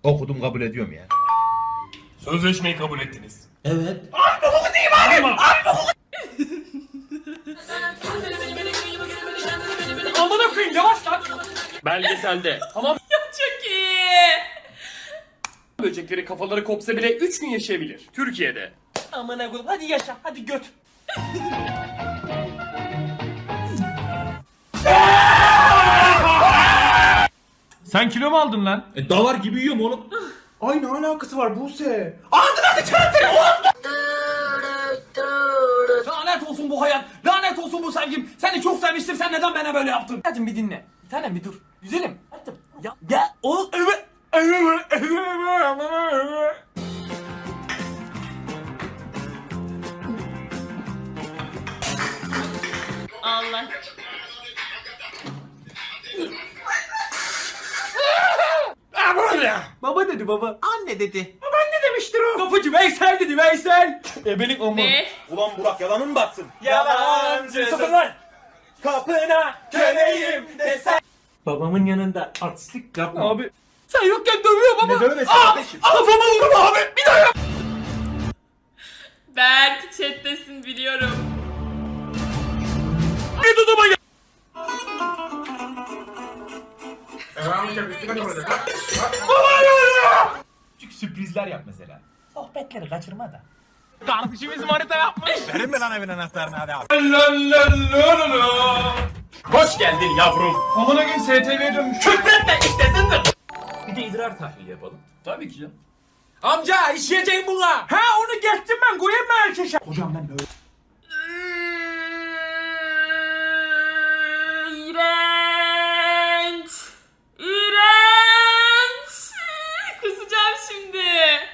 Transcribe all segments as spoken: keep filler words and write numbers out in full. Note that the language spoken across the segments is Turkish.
Okudum, kabul ediyorum ya. Sözleşmeyi kabul ettiniz. Evet. Abi bokumu diyeyim abi! Abi bokumu! Amına koyayım, yavaş lan! Belgeselde. Tamam. Çok iyi. Böcekleri kafaları kopsa bile üç gün yaşayabilir. Türkiye'de. Amına koyayım hadi yaşa hadi göt. Sen kilo mu aldın lan? E davar gibi yiyorum oğlum. Ay, ne alakası var Buse? Lanet olsun bu hayat. Lanet olsun bu sevgim. Seni çok sevmiştim. Sen neden bana böyle yaptın? Hadi bir dinle. Bir tanem bir dur. Güzelim. Hadi. Ya ya o evet. Allah. Baba dedi baba. Anne dedi. Baba anne demiştir o. Kapıcı Veysel dedi Veysel. Ebelik o mu? Ne? Ulan Burak, yalanın mı batsın? Yalancı. Sıfır lan! Kapına köleyim desen. Babamın yanında artistlik yapma. Abi. Sen yokken dövüyor baba. Ne dövmesi kardeşim? Kafama vurma abi. Bir daha yap. Berk chat'tesin biliyorum. Bir tutuma gel. Küçük sürprizler yap mesela. Sohbetleri kaçırma da. Kardeşimiz manita yapmış. Verin mi lan evin anahtarını, hadi abi. Hoş geldin yavrum. Amına gün S T V'ye dönmüş. Küfretme istesindir. Bir de idrar tahlili yapalım. Tabii ki canım. Amca işleyeceğim buna. Ha onu geçtim ben koyayım mı erkeşe? Hocam ben böyle. İğrenç. İğrenç. Kusacağım şimdi.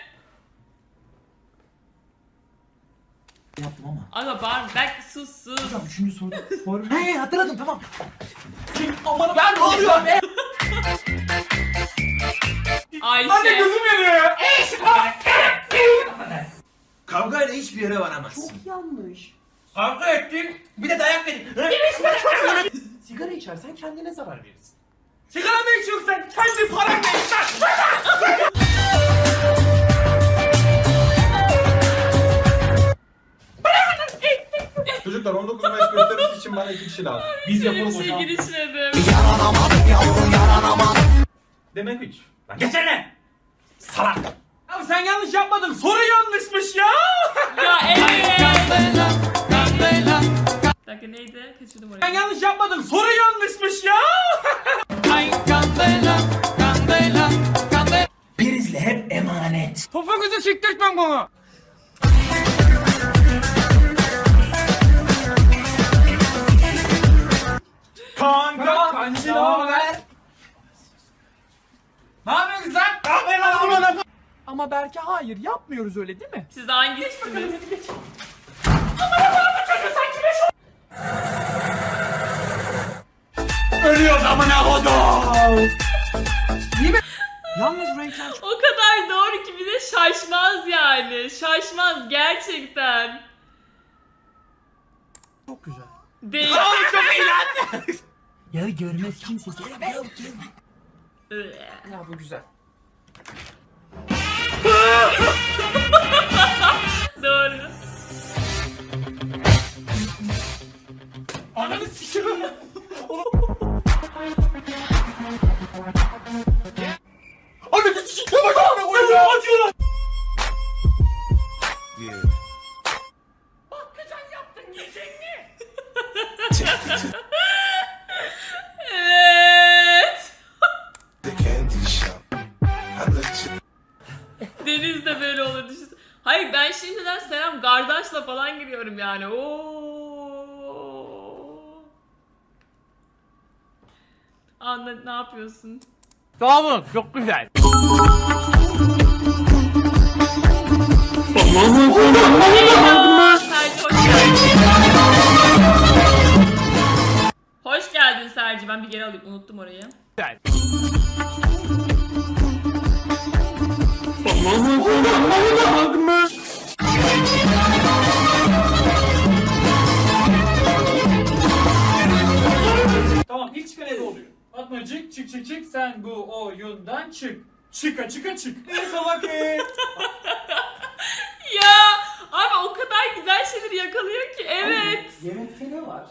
Yaptım ama. Aga bağırma. Berk sus sus. Hocam üçüncü soru. soru. He hatırladım tamam. Aman ben ne oluyor be? Ayşe. Hadi gözüm yanıyor ya. Kavgayla hiçbir yere varamazsın. Çok yanlış. Kavga ettin, bir de dayak verin. Sigara içersen kendine zarar verirsin. Sigara mı içiyorsun sen? Kendi paranla iç lan. Çocuklar, on dokuz Mayıs gösterisi için bana iki kişi lazım. Biz Hiçbir yapalım şey hocam. girişmedim. Demek üç. Lan geçene. Salak. Abi sen yanlış yapmadın. Soru yanlışmış ya. Ya evet. Bir dakika neydi? Kaçırdım Sen orayı. yanlış yapmadın. Soru yanlışmış ya. Prizle hep emanet. Topuğunuzu siktirtmem bana. Kanka. Kancı ne haber? Ne yapıyorsun sen? Ne yapıyorsun lan? Ama Berke hayır yapmıyoruz öyle değil mi? Siz hangisiniz? Ölüyoruz amına kodum. İyi mi? Yalnız renkler çok... O kadar doğru ki bir de şaşmaz yani. Şaşmaz gerçekten. Çok güzel. Değil. Çok iyi lan. Ya görmez kimse. Ya bu güzel. Doğru. Ananı sikiyorum. Ananı sikiyorum. Ananı koyuyor. Acıyor. Bakkacan yaptın yiyecek mi? Evet. Deniz de böyle olur düşünsene. Hayır ben şimdiden Selam Gardaş'la falan giriyorum yani. Oo. Anla ne yapıyorsun? Sağ olun, çok güzel. Hello, Serci, hoş geldin. Hoş geldin Serci. Ben bir geri alayım. Unuttum orayı. Güzel. Tamam ilk çıkan ebe oluyor. Fatmacık çık çık çık sen bu oyundan çık. Çıka çıka çık. Ne salak e? Ya abi o kadar güzel şeyleri yakalıyor ki. Evet. Yemekte ne var?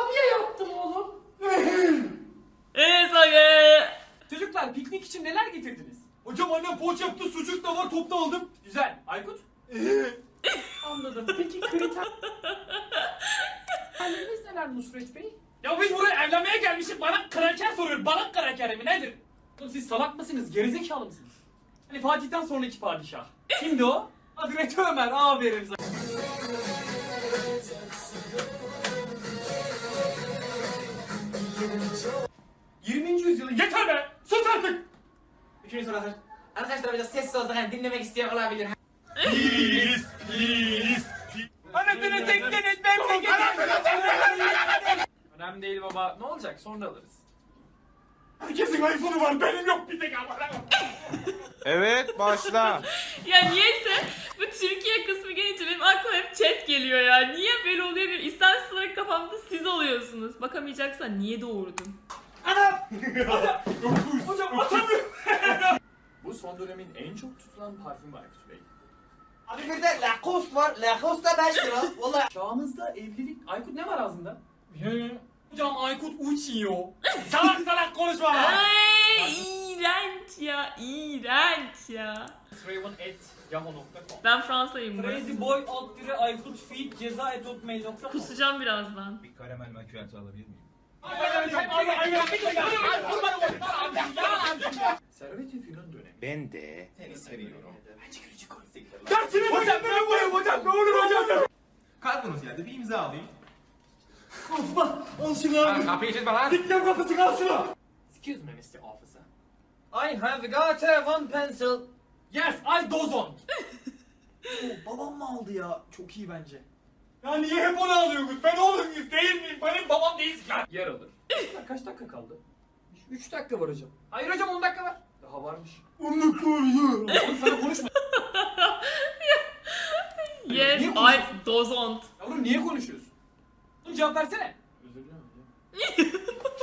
Evet Sage. Çocuklar piknik için neler getirdiniz? Hocam annem poğaça yaptı, sucuk da var, topta aldım. Güzel. Aykut? Anladım. Peki kriter... Halleriniz neler Nusret Bey? Ya biz buraya evlenmeye gelmişiz. Bana kraker soruyor. Bana kraker mi nedir? Oğlum siz salak mısınız? Gerizekalı mısınız? Hani Fatih'ten sonraki padişah. Kimdi o? Hazreti Ömer. Aferin sana. yirminci yüzyılın yeter be! Sus artık! Üçüncü soru hazır. Arkadaşlar biraz sessiz olsak hani dinlemek isteyen olabilir. Please, please. Anasını tekleniz memleketi! Önemli değil baba. Ne olacak? Sonra alırız. Herkesin iPhone'u var, benim yok bir tek ama. Evet başla. Ya niyeyse bu Türkiye kısmı gelince benim aklıma hep chat geliyor ya. Niye böyle oluyor bir istemsiz olarak kafamda siz oluyorsunuz. Bakamayacaksan niye doğurdun? Hocam atamıyorum. Bu son dönemin en çok tutulan parfümü Aykut Bey. Abi bir de Lacoste var. Lacoste da beş lira. Valla. Çağımızda evlilik... Aykut ne var ağzında? Hocam Aykut uçuyor. Salak salak konuşma. Ay iğrenç ya, iğrenç ya. Raven at yahoo nokta com Ben Fransa'yım burası. Crazyboy alt dire Aykut feed ceza et hotmail nokta com. Kusacağım birazdan. Bir karamel makyajı alabilir miyim? Servet-i Fünun dönemi. Ben de seni seviyorum. Dersini hocam ben buraya hocam ne olur hocam. Kargonuz geldi, bir imza alayım. Osman al şunu abi. Kapıyı çizme lan. Dikkat kapısı al şunu. Excuse me mister Officer. I have got a one pencil. Yes I dozon. Babam mı aldı ya? Çok iyi bence. Ya niye hep onu alıyorsunuz? Ben oğlum değil miyim? Benim babam değilsin ya. Yer alır. Kaç dakika kaldı? üç dakika var hocam. Hayır hocam on dakika var. Daha varmış. on dakika var ya. Oğlum sana konuşma. Yes, Niye I dozont. Yavrum niye konuşuyorsun? Oğlum cevap versene. Özür dilerim hocam.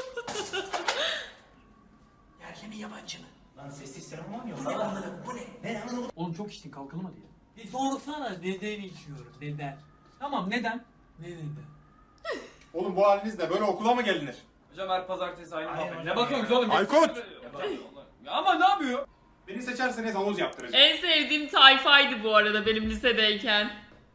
Yerli mi yabancı mı? Lan sessiz seremon yok. Bu ne anladım? Bu ne? Ne anladım? Oğlum çok içtin kalkalım hadi ya. Bir sorsana neden içiyorum neden? Tamam neden? Ne neden? Oğlum bu halinizle böyle okula mı gelinir? Hocam her pazartesi aynı Hayır muhabbet. hocam Ne bakıyorsunuz oğlum? Aykut! Ya ama ne yapıyor? Beni seçerseniz havuz yaptıracağım. En sevdiğim tayfaydı bu arada benim lisedeyken.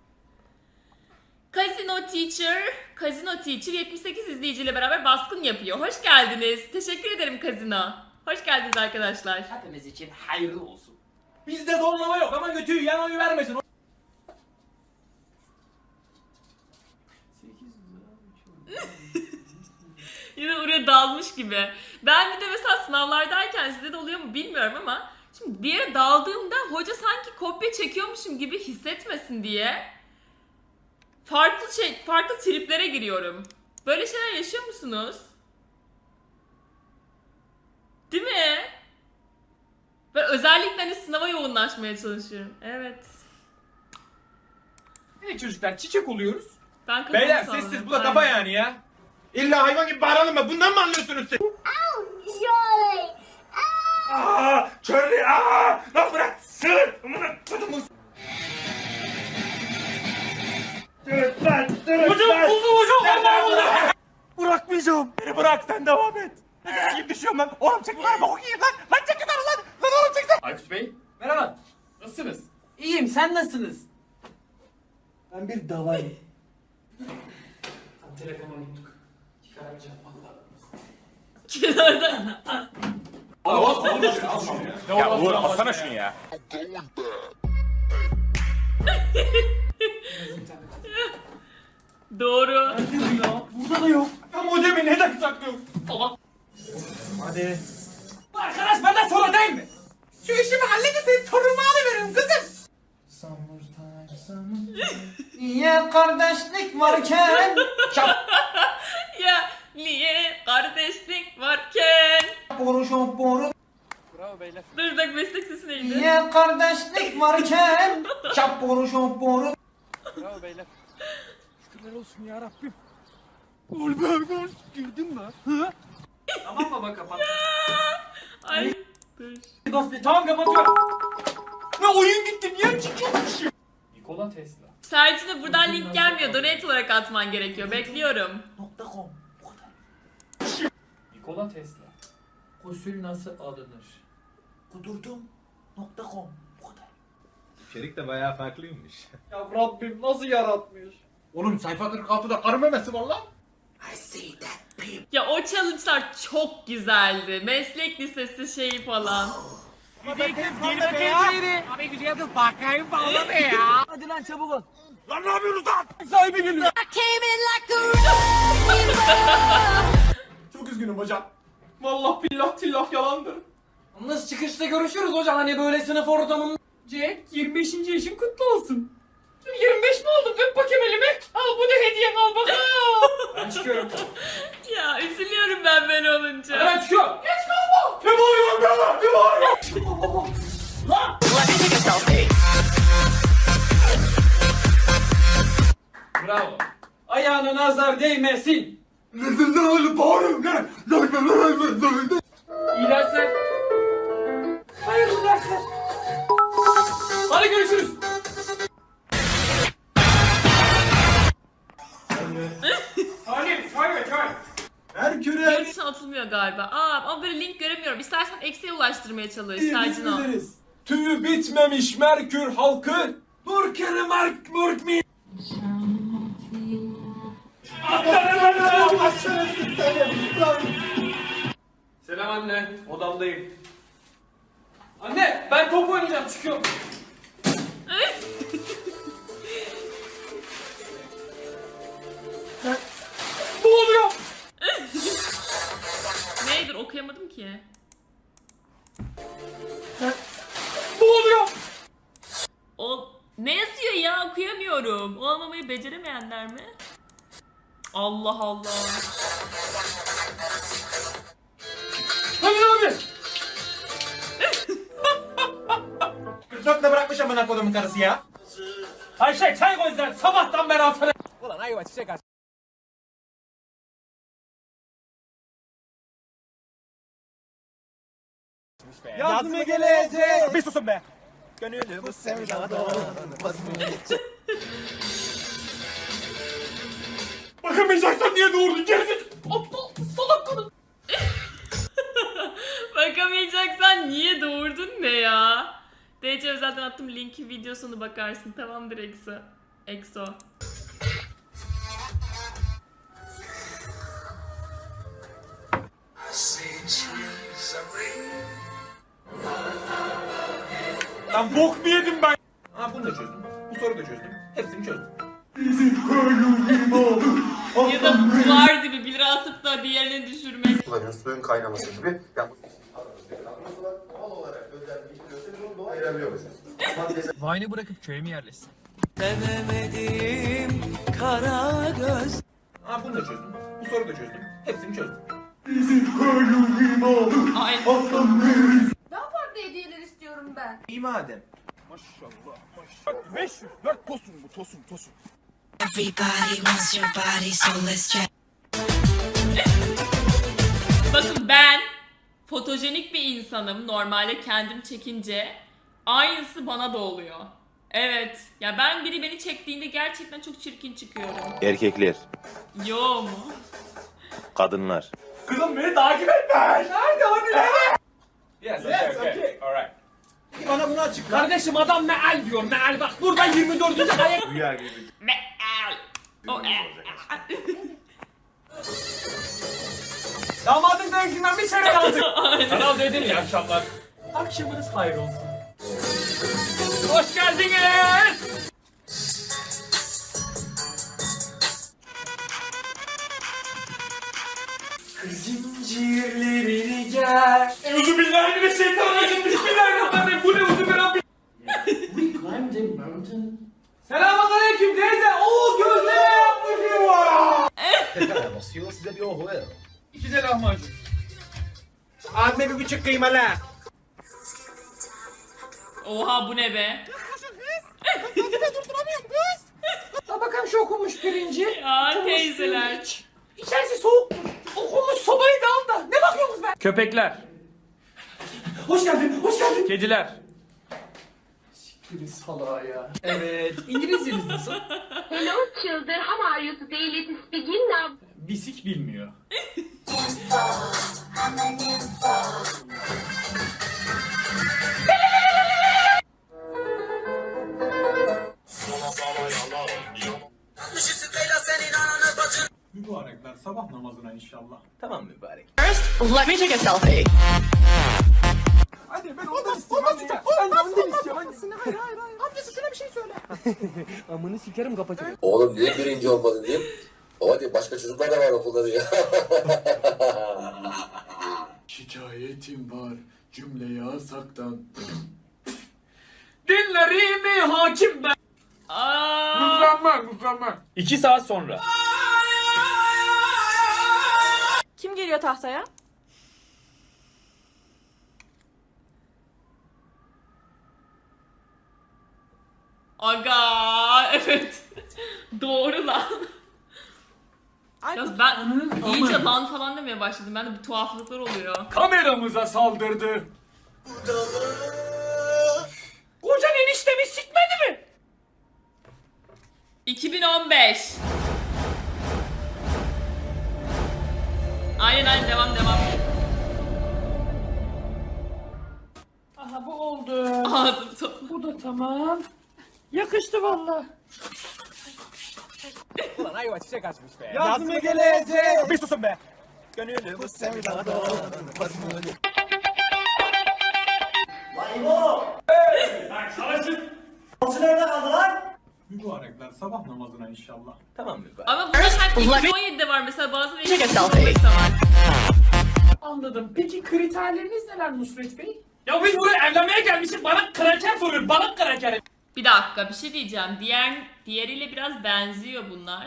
Casino Teacher, Casino Teacher yetmiş sekiz izleyiciyle beraber baskın yapıyor. Hoş geldiniz. Teşekkür ederim Casino. Hoş geldiniz arkadaşlar. Hepimiz için hayırlı olsun. Bizde zorlama yok ama götüyü yan oyu vermesin. Yine oraya dalmış gibi. Ben bir de mesela sınavlardayken sizde de oluyor mu bilmiyorum ama şimdi bir yere daldığımda hoca sanki kopya çekiyormuşum gibi hissetmesin diye farklı şey, farklı triplere giriyorum. Böyle şeyler yaşıyor musunuz? Değil mi? Ben özellikle hani sınava yoğunlaşmaya çalışıyorum. Evet. Evet çocuklar çiçek oluyoruz. Ben kafamı Beyler salladım. sessiz, bu da kafa Aynen. yani ya. İlla hayvan gibi bağıralım mı? Bundan mı anlıyorsunuz siz? Surely. Aaa! Charlie! Aaa! Lan bırak! Sığır! Amına kodumun! Dırıt lan! Dırıt Hocam lan! buldum hocam vallahi buldum. Bırakmayacağım! Beni bırak, sen devam et! Nefes gibi düşüyorum lan! Oğlum çek lan! Bok yiyeyim lan! Lan çek lan lan! Lan oğlum çek sen! Aykut Bey merhaba. Nasılsınız? İyiyim sen nasılsınız? Ben bir davayım. Telefonu unuttuk. Çıkaramayacağım valla. Kenarda. Ya Uğur alsana şunu ya! Doğru. Burada da yok. Ya modemi neden saklıyorsun? Salak. Hadi. Arkadaş benden sonra değil mi? Şu işimi halledin senin torunumu alıveririm kızım. Niye kardeşlik varken? Ya niye kardeşlik varken? Boru şop boru. Dur bak meslek sesi neydi? Niye kardeşlik varken? Çap boru şop boru. Tamam baba kapat. Ay dur. Tamam kapatıyorum. Ne oyun gitti niye çıkıyormuşum? Nikola Tesla. Sercin'e buradan link gelmiyor. Donate olarak atman gerekiyor. Bekliyorum. .com. Nikola Tesla. Gusül nasıl alınır? Kudurdum. .com. Bu kadar. İçerik de bayağı farklıymış. Ya Rabbim nasıl yaratmış? Oğlum sayfa kırk altıda karı memesi var lan. I see that people. Ya o challenge'lar çok güzeldi. Meslek lisesi şeyi falan. Hadi lan çabuk ol. Lan ne yapıyorsunuz lan? Sahibi geliyor. Çok üzgünüm hocam. Vallahi billah tillah yalandır. Nasıl çıkışta görüşürüz hocam hani böyle sınıf ortamında. Jack yirmi beşinci yaşın kutlu olsun. yirmi beş mi oldum? Öp bakayım elimi. Al bu da hediyen al bakalım. Ben çıkıyorum. Ya üzülüyorum ben böyle olunca. Ben çıkıyorum. Geç kalma. Ne bağırıyorsun be lan? Ne bağırıyorsun? Bravo. Ayağına nazar değmesin. Ne bağırıyorsun ne? İyi dersler. Hayırlı dersler. Hadi görüşürüz. Salim çay ver çay. Merkür'e Yurt dışına atılmıyor galiba. Aa, ama böyle link göremiyorum. İstersen eksiye ulaştırmaya çalış. Sercin o. biliriz. Tüyü bitmemiş Merkür halkı. Murkeri Merk Murk mi? Selam anne. Odamdayım. Anne ben top oynayacağım çıkıyorum. Ne oluyor? Neydir okuyamadım ki. Ne oluyor? O ne yazıyor ya okuyamıyorum. Olmamayı beceremeyenler mi? Allah Allah. Hadi abi. kırk dörtte bırakmış amına kodumun karısı ya. Ayşe çay koy sen sabahtan beri altına. Yazma gelecek. Bir susun be. Gönlümü sevdadan. Bakamayacaksan niye doğurdun gerizekalı? Aptal salak kadın. Bakamayacaksan niye doğurdun ne ya? D C zaten attım linki videosunu bakarsın. Tamamdır Exo. Exo. Lan bok mu yedim ben? Ha bunu da çözdüm. Bu soruyu da çözdüm. Hepsini çözdüm. Ya da duvar dibi bir lira atıp da diğerini düşürmek. kullanıyoruz. Suyun kaynaması gibi. Yani doğal olarak özelleştiriyorsa biz onu doğal ayırabiliyormuşuz. Vine'ı bırakıp köye mi yerleşsin? Ha bunu da çözdüm. Bu soruyu da çözdüm. Hepsini çözdüm. Aynen. Daha farklı hediyeler istiyorum ben. İyi madem. Maşallah maşallah. beş yüz dört tosun bu tosun tosun. Everybody wants your body, so let's check. Bakın ben fotojenik bir insanım. Normalde kendim çekince aynısı bana da oluyor. Evet. Ya ben biri beni çektiğinde gerçekten çok çirkin çıkıyorum. Erkekler, Yo mu? kadınlar. Kızım beni takip etme. Nerede hani nerede? Yes, okay, okay. Alright. Bana bunu açıkla. Kardeşim adam meal diyor meal bak burada yirmi dördüncü ayak. Rüya gibi. Meal. O e. Damadın dövüşünden bir çeyrek aldık. Kanal dedim ya akşamlar. Akşamınız hayır olsun. Hoş geldiniz. Zincirlerini gel. Euzubillahimineşşeytanirracim. Bismillahirrahmanirrahim. Bu ne uzun Selamünaleyküm teyze. Oo gözleme yapmış. Basıyor size bir ohu ver. İki de lahmacun. Abime bir buçuk kıymalı. Oha bu ne be? Ha bakalım şu okunmuş pirinci. Ya teyzeler. İçerisi soğuk. Okunmuş sobayı da al da. Ne bakıyorsunuz be? Köpekler. Hoş geldin, hoş geldin. Kediler. Siktirin salağa ya. Evet, İngilizceniz nasıl? Hello children, how are you today? Let's begin now. Bisik bilmiyor. Mübarekler sabah namazına inşallah. Tamam mübarek. Let me take a selfie. Hadi ben ondan istiyorum. Ondan istiyorum. Ben de ondan istiyorum. Hangisini? Hayır hayır hayır. Amcası şuna bir şey söyle. Amını sikerim kapatırım. Oğlum niye birinci olmadın diyeyim. Baba diye başka çocuklar da var okulda diyor. Şikayetim var cümle yasaktan. Dinlerimi hakim ben. Aa, Mükemmel mükemmel. İki saat sonra. Kim geliyor tahtaya? aga evet. Doğru lan. Yalnız ben iyice lan falan demeye başladım. Ben de bir tuhaflıklar oluyor. Kameramıza saldırdı. Kocan eniştemi sikmedi mi? iki bin on beş. Aynen aynen devam devam. Aha bu oldu. Ağzım topla. Bu da tamam. Yakıştı valla. Ulan ayva çiçek açmış be. Yaz mı gelecek? Bir susun be. Gönlümü sevdada. Mübarekler sabah namazına inşallah. Tamam mübarek. Ama bu da sanki iki bin on yedide var mesela bazı Take a iki bin on selfie. beşte var. Anladım. Peki kriterleriniz neler Nusret Bey? Ya biz buraya evlenmeye gelmişiz. Bana kraker soruyor. Bana kraker. Bir dakika bir şey diyeceğim. Diğer diğeriyle biraz benziyor bunlar.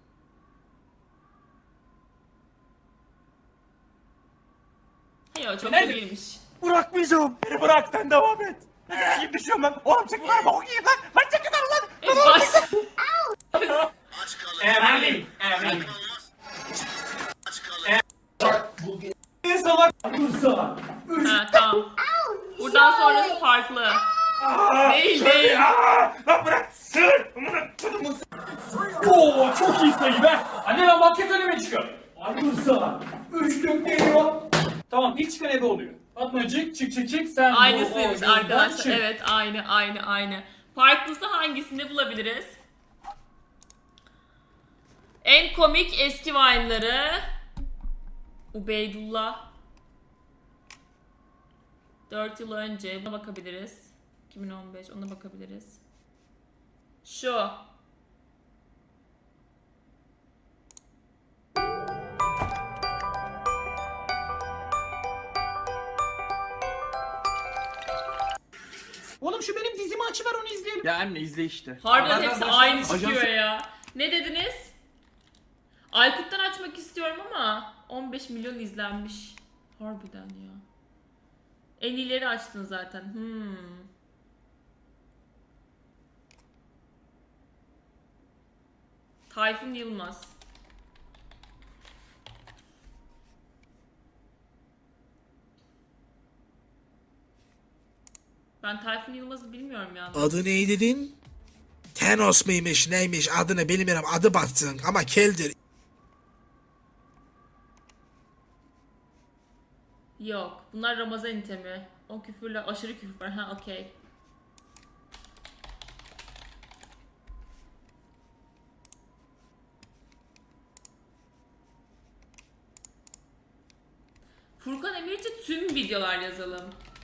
Hayır o çok da Nerede? değilmiş. Bırakmayacağım. Beni bırak sen devam et. Ne gibi düşüyorum ben. Oğlum çek yukarı bak okuyayım lan. Lan çek yukarı lan. E, bas. Emin. Emin. Ha tamam. Buradan sonrası farklı. Değil değil. Aa, lan bırak. Sır. Amına kodumun. Oo çok iyi sayı be. Anne lan basket önüme çıkıyor. Ayrılsa. Üçlük geliyor. Tamam ilk çıkan ebe oluyor. Fatmacık çık çık çık sen. Aynısıymış bu oyundan arkadaşlar. çık. Evet aynı aynı aynı. Farklısı hangisinde bulabiliriz? En komik eski Vine'ları. Ubeydullah. dört yıl önce buna bakabiliriz. iki bin on beş ona bakabiliriz. Şu. Oğlum şu benim dizimi açıver onu izleyelim. Ya anne izle işte. Harbiden hepsi aynı çıkıyor Ajans- ya. Ne dediniz? Aykut'tan açmak istiyorum ama on beş milyon izlenmiş. Harbiden ya. En iyileri açtın zaten. Hmm. Tayfun Yılmaz. Ben Tayfun Yılmaz'ı bilmiyorum yani. Adı ne dedin? Thanos mıymış neymiş adını bilmiyorum adı batsın ama keldir. Yok. Bunlar Ramazan itemi. O küfürle aşırı küfür var. Ha okey. Furkan Emirci tüm videolar yazalım.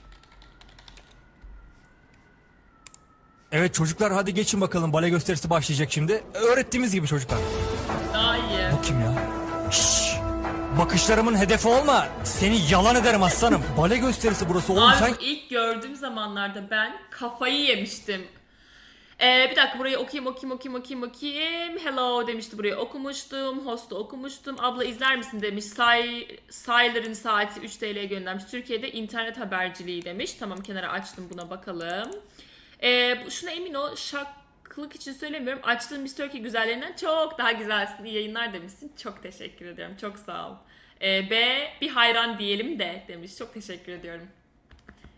Evet çocuklar hadi geçin bakalım bale gösterisi başlayacak şimdi. Öğrettiğimiz gibi çocuklar. Daha iyi. Bu kim ya? Şşş. Bakışlarımın hedefi olma. Seni yalan ederim aslanım. Bale gösterisi burası oğlum Abi sen. bu ilk gördüğüm zamanlarda ben kafayı yemiştim. Ee, bir dakika burayı okuyayım okuyayım okuyayım okuyayım okuyayım. Hello demişti burayı okumuştum. Host'u okumuştum. Abla izler misin demiş. Say, Saylar'ın saati üç T L'ye göndermiş. Türkiye'de internet haberciliği demiş. Tamam kenara açtım buna bakalım. Ee, şuna emin ol şaklık için söylemiyorum. Açtığım Miss Turkey güzellerinden çok daha güzelsin. İyi yayınlar demişsin. Çok teşekkür ediyorum. Çok sağ ol. Ee, B bir hayran diyelim de demiş. Çok teşekkür ediyorum.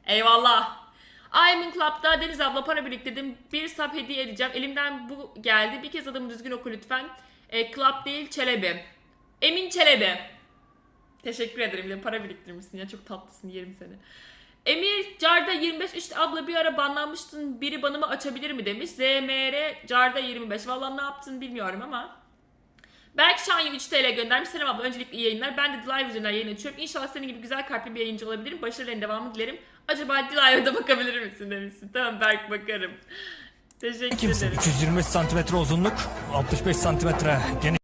Eyvallah. Ayman Club'da Deniz abla para biriktirdim. Bir sub hediye edeceğim. Elimden bu geldi. Bir kez adımı düzgün oku lütfen. E, Club değil Çelebi. Emin Çelebi. Teşekkür ederim. Bir de para biriktirmişsin ya. Çok tatlısın. Yerim seni. Emir Carda yirmi beş işte abla bir ara banlanmıştın. Biri banımı açabilir mi demiş. Z M R Carda yirmi beş. Vallahi ne yaptın bilmiyorum ama. Belki Şanyu üç T L göndermiş. Selam abla öncelikle iyi yayınlar. Ben de Live üzerinden yayın açıyorum. İnşallah senin gibi güzel kalpli bir yayıncı olabilirim. Başarıların devamını dilerim. Acaba Live'a da bakabilir misin demişsin. Tamam Berk bakarım. Teşekkür Kimsin? ederim. iki yüz yirmi beş santimetre uzunluk, altmış beş santimetre geniş.